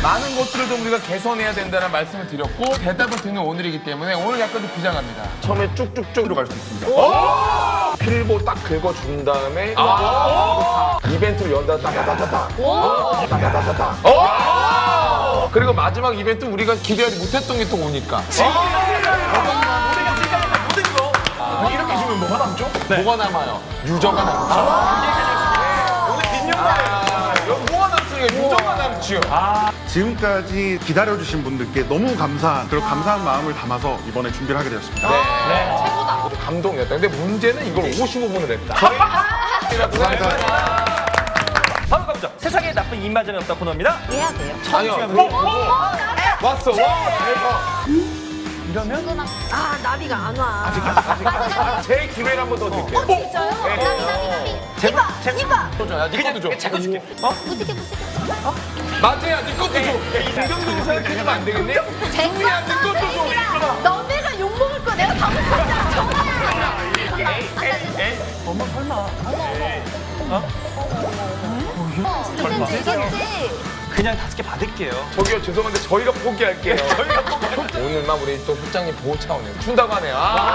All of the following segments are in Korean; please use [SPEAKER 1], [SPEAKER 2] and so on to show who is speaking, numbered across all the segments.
[SPEAKER 1] 많은 것들을 좀 우리가 개선해야 된다는 말씀을 드렸고 대답을 듣는 오늘이기 때문에 오늘 약간 좀 부장합니다.
[SPEAKER 2] 처음에 쭉쭉쭉으로 갈 수 있습니다. 필보 딱 긁어준 다음에 이벤트를 연다 따다다다다 따다다다다
[SPEAKER 1] 그리고 마지막 이벤트 우리가 기대하지 못했던 게 또 오니까.
[SPEAKER 2] 이렇게 주면 뭐가 남죠?
[SPEAKER 1] 뭐가 남아요? 유저가 남죠.
[SPEAKER 3] 오늘 빈용사예요.
[SPEAKER 1] 뭐가 남습니까? 유저가 남죠.
[SPEAKER 4] 지금까지 기다려주신 분들께 너무 감사한 그리고 감사한 마음을 담아서 이번에 준비를 하게 되었습니다.
[SPEAKER 1] 최고다. 감동이었다. 근데 문제는 이걸 55분을 했다.
[SPEAKER 3] 바로 가보죠. 세상에 나쁜 입맞음이 없다 코너입니다.
[SPEAKER 5] 해야 돼요.
[SPEAKER 1] 아니요. 왔어. 와, 대박.
[SPEAKER 5] 아, 나비가 안 와.
[SPEAKER 2] 제 기회를 한 번 더 드릴게요.
[SPEAKER 5] 진짜요? 나비. 이봐.
[SPEAKER 1] 야, 네 것도 줘.
[SPEAKER 3] 제가 줄게.
[SPEAKER 5] 무지개.
[SPEAKER 1] 마태야, 네 것도 줘. 김경동 생각해주면 안 되겠니?
[SPEAKER 5] 쟁반.
[SPEAKER 1] 네 것도 줘.
[SPEAKER 5] 너네가 욕먹을 거 내가 다 먹었잖아.
[SPEAKER 3] 엄마 설마.
[SPEAKER 5] 그땐 되겠지.
[SPEAKER 3] 그냥 5개 받을게요.
[SPEAKER 1] 저기요, 죄송한데 저희가 포기할게요. 오늘만 우리 또 실장님 보호 차원에서 준다고 하네요.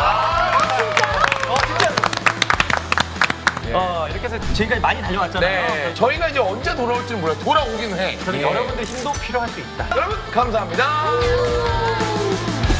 [SPEAKER 3] 이렇게 해서 지금까지 많이 다녀왔잖아요.
[SPEAKER 1] 네. 저희가 이제 언제 돌아올지는 몰라요. 돌아오긴 해.
[SPEAKER 3] 저는
[SPEAKER 1] 예.
[SPEAKER 3] 여러분들 힘도 필요할 수 있다.
[SPEAKER 1] 여러분, 감사합니다.